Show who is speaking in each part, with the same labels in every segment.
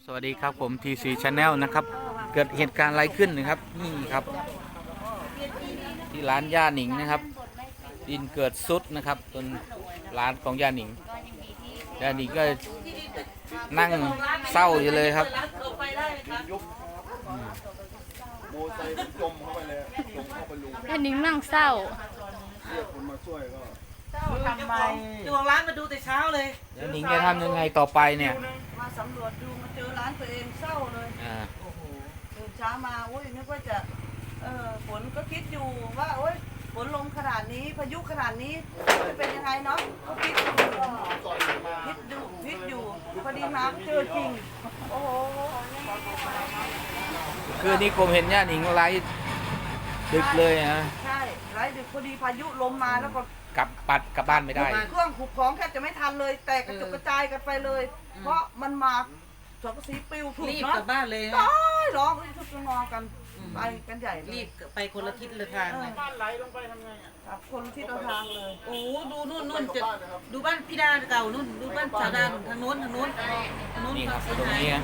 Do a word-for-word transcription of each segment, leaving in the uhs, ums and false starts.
Speaker 1: สวัสดีครับผม ที ซี Channel นะครับเกิดเหตุการณ์อะไรขึ้นนะครับนี่ครับที่ร้านย่าหนิงนะครับดินเกิดซุดนะครับจนร้านของย่าหนิงย่าหนิงก็นั่งเศร้าอยู่เลยครับ
Speaker 2: โมไซค์จมเข้าไปเลยจมเข้าไปลุง
Speaker 3: ย่าหนิงนั่งเศร้า
Speaker 2: เรียกคนมาช่วยก็
Speaker 4: ทำไมเจ้าของร้านมาดูแต่เช้าเลย
Speaker 1: ย่าหนิงจะทำยังไงต่อไปเนี่ย
Speaker 4: มาสำรวจดูมาเจอร้านตัวเองเศร้าเลย
Speaker 1: อ่า
Speaker 4: โอ้โหตื่นเช้ามาอุ้ยนึกว่าจะเออฝนก็คิดอยู่ว่าโอ้ยฝนลงขนาดนี้พายุขนาดนี้จะเป็นยังไงเนาะก็คิดอยู่คิดดูคิดอยู่พอดีมาเจอจริงโอ้โห
Speaker 1: คือนี่ผมเห็นย่าหนิงไลฟ์ดึกเลยนะ
Speaker 4: ใช่ไรดึกพอดีพายุลมมาแล้วก็
Speaker 1: กลับปัดกลับบ้านไม่ได้
Speaker 4: เครื่องขุดของแทบจะไม่ทันเลยแตกกระจุกกระจายกันไปเลย เพราะมันมาสังกะสีปลิวถูก
Speaker 5: รีบ
Speaker 4: เนาะ
Speaker 5: กลับบ้านเลย
Speaker 4: ตายร้องทุกงอกันไปกันใหญ่เลย
Speaker 5: รีบไปคนละทิศละทางเลย
Speaker 4: บ้านไหลลงไปทำไงครับคนที่เราทางเลย
Speaker 5: โอ้ดูนู่นนู่นจะดูบ้านพี่ดาเก่านู่นดูบ้านสาวดาทางโน้นทางโน้นทางโน้น
Speaker 1: นี่ครับ
Speaker 5: เสีย
Speaker 1: ตรง
Speaker 5: หาย
Speaker 1: นี้นะ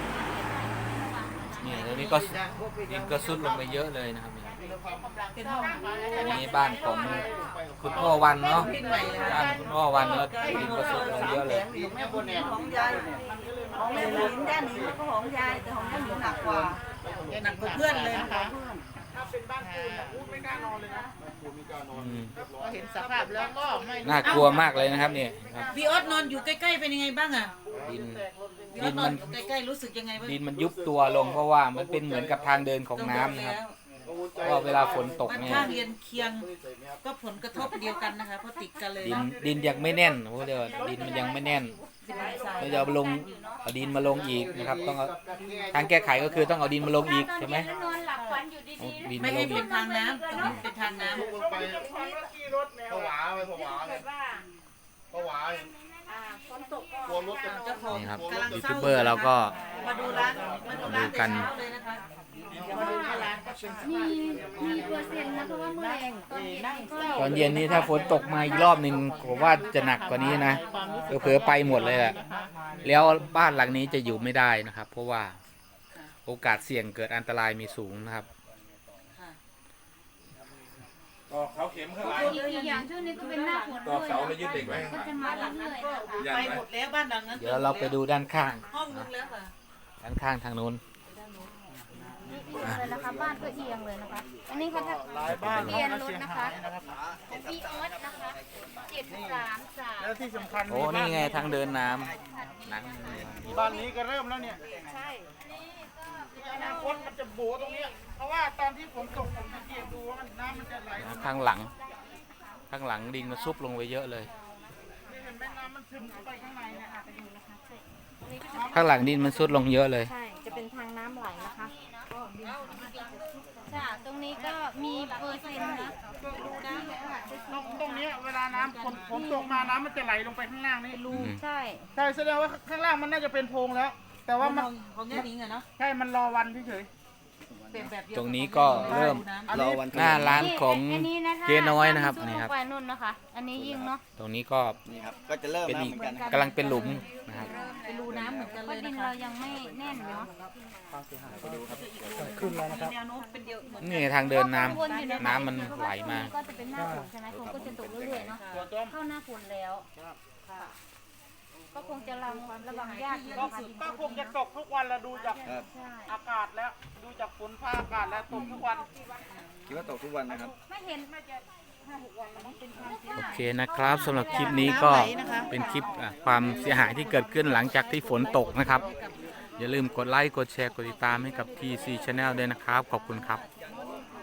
Speaker 1: นี่ตรงนี้ก็ดินก็ซุดลงไปเยอะเลยนะครับ
Speaker 5: เป็นห้อง
Speaker 1: อันนี้บ้านของคุณพ่อวันเนาะบ้านคุณพ่อวันแล้วดินก็ซุดลงเยอะเลย
Speaker 4: ของแม่บุญของยายของแม่บุญย่าหนิงแล้วก็ของยายแต่ของย่าหนิงหนักกว่า
Speaker 5: หนักกว่าเพื่อนเลยนะคะ
Speaker 1: อืม
Speaker 5: เห็นสภาพแล้วก็ไม่
Speaker 1: น่ากลัวมากเลยนะครับเนี่ยครับ
Speaker 5: พี่ออสนอนอยู่ใกล้ๆเป็นยังไงบ้างอ่ะ
Speaker 1: ดิน
Speaker 5: พี่ออสนอนอยู่ใกล้ๆรู้สึกยังไงบ้าง
Speaker 1: ดินมันยุบตัวลงเพราะว่ามันเป็นเหมือนกับทางเดินของน้ำนะครับเพราะเวลาฝนตก
Speaker 5: บ้าน
Speaker 1: เนี่ย
Speaker 5: ข้างเรียนเคียงก็ผลกระทบเดียวกันนะคะเพราะติดกันเลย
Speaker 1: ดินดินยังไม่แน่นโอ้เดี๋ยวดินมันยังไม่แน่นเราจะเอาลงเอาดินมาลงอีกนะครับต้องเอาทางแก้ไขก็คือต้องเอาดินมาลงอีกใช่ไหม
Speaker 3: นอนหลับฝันอยู่ดี
Speaker 1: เอาดิน
Speaker 5: ไม่
Speaker 1: มาล
Speaker 5: ให้
Speaker 1: ง
Speaker 5: เป็
Speaker 1: อี
Speaker 5: น
Speaker 1: ก
Speaker 5: ทางน้ำตรงนี้เป็นทางน้ำ
Speaker 2: ไปผวาไปผวาเลยผวากลัวรถจะ
Speaker 5: เจ้าของ
Speaker 1: นี่ครับ
Speaker 5: กำลัง
Speaker 1: ยู
Speaker 5: เศ
Speaker 1: ทู
Speaker 5: ร้า
Speaker 1: บเบอร์เราก็
Speaker 5: มาดูร้านมาดูร้าน
Speaker 1: ดูกัน
Speaker 5: แต่เช้าเลยนะคะ
Speaker 3: ๆมีมีเปอร์เซ็นต์นะเพราะว่าเมื่อแรงตอนเย็นก็
Speaker 1: ตอนเย็นนี้ถ้าฝนตกมาอีกรอบหนึ่งผมว่าจะหนักกว่านี้นะเผลอๆไปหมดเลยแหละแล้วบ้านหลังนี้จะอยู่ไม่ได้นะครับ เพราะว่าโอกาสเสี่ยงเกิดอันตรายมีสูงนะครับ
Speaker 2: ก็เขาเข็มข้างหลัง
Speaker 3: อีกอย่างช่วงนี้ก็เป็นหน้าฝน
Speaker 2: ตอกเสาแล้วยึดเด็กไว้
Speaker 3: ก็จะมาเรื่อยๆนะคะ
Speaker 5: ไปหมดแล้วบ้านหลังนั้น
Speaker 1: เดี๋ยวเราไปดูด้านข้าง
Speaker 5: ห้องนึงแล้วค่ะ
Speaker 1: ด้านข้างทางนู้น
Speaker 3: เลยนะคะบ้านก็เอียงเลยนะคะ อันนี้เขาจะ
Speaker 2: บ้าน
Speaker 3: เปลี่ยนรถนะคะของพี่ออสนะคะเจ็ดสามสาม
Speaker 2: แล้วที่สำคัญ
Speaker 1: โอ้นี่ไงทางเดินน้ำนั่น
Speaker 2: บ้านนี้ก็เริ่มแล้วเนี่ย
Speaker 3: ใช่
Speaker 2: อนาคตมันจะโบตรงนี้เพราะว่าตอนที่ฝนตกผมสังเกตดูว่ามันน้ำมันจะไหล
Speaker 1: ข้างหลัง ข้างหลังดินมันซุบลงไปเยอะเลย
Speaker 2: นี่เห็นไหมน้ำมันซึมเข้าไปข้างในเนี่ย
Speaker 1: ข้างหลังดินมันซุดลงเยอะเลย
Speaker 3: ใช่ จะเป็นทางน้ำไหลนะคะค่ะตรงนี้ก็มีเปอร์เซ็นต์นะ
Speaker 2: ตรงตรงนี้เวลาน้ำฝนฝนตกมาน้ำมันจะไหลลงไปข้างล่างนี่รู
Speaker 1: อืม
Speaker 3: ใช่
Speaker 2: ใช่แสดงว่าข้างล่างมันน่าจะเป็นโพรงแล้ว แต่ว่ามัน
Speaker 5: ของแง่นิ้งอะเนาะ
Speaker 2: ใช่มันรอวันเฉย
Speaker 5: เป็นแบบเดียว
Speaker 1: ตรงนี้ก็เริ่ม
Speaker 2: รอวัน
Speaker 1: หน้าร้านของ
Speaker 3: อันนี้นะถ้า
Speaker 1: เจ๊น้อยนะครับ
Speaker 3: ถ้า
Speaker 1: นี่ครับ
Speaker 3: ลงไปนู่นนะคะ อันนี้ยิ่งเนาะ
Speaker 1: ตรงนี้ก็
Speaker 6: นี่ครับก็จะเริ่ม
Speaker 1: เป็น
Speaker 6: แล้ว
Speaker 1: อีก
Speaker 6: เหมือนกันนะครับ
Speaker 1: กำลังเป็นหลุมนะครับ
Speaker 5: เป็นรูน้ำเหมือนกัน
Speaker 3: เพ
Speaker 5: เล
Speaker 3: ราะ
Speaker 5: ย
Speaker 3: ดิ
Speaker 5: นะ
Speaker 3: น
Speaker 5: คะ
Speaker 3: เรายังไม่แน่นเนาะ
Speaker 5: มีแนวโน้มเป็นเดียวเหมือน
Speaker 1: นี่ทางเดินน้ำ
Speaker 3: ก็กังวลอยู่ะ
Speaker 1: น้ำมันไหลมา
Speaker 3: ก็จะเป็นหน้าฝนใช่ไหมฝนก็จะตกเรื่อยๆเนาะเข้าหน้าฝนแล้วค่ะก็คงจะระวังระวังยากอยู่
Speaker 2: ก็
Speaker 3: นะคะ
Speaker 2: ก็คงจะตกทุกวันแล้วดูจาก
Speaker 6: ครับ
Speaker 3: ใช่
Speaker 2: อากาศแล้วดูจากฝนฟ้าอากาศแล้วตกทุกวัน
Speaker 6: คิดว่าตกทุกวันนะครับ
Speaker 3: ไม่เห็น
Speaker 1: โอเคนะครับสำหรับคลิปนี้ก็เป็นคลิปอ่ะความเสียหายที่เกิดขึ้นหลังจากที่ฝนตกนะครับ อย่าลืมกดไลค์กดแชร์กดติดตามให้กับ ที ซี Channel ด้วยนะครับ ขอบคุณครับ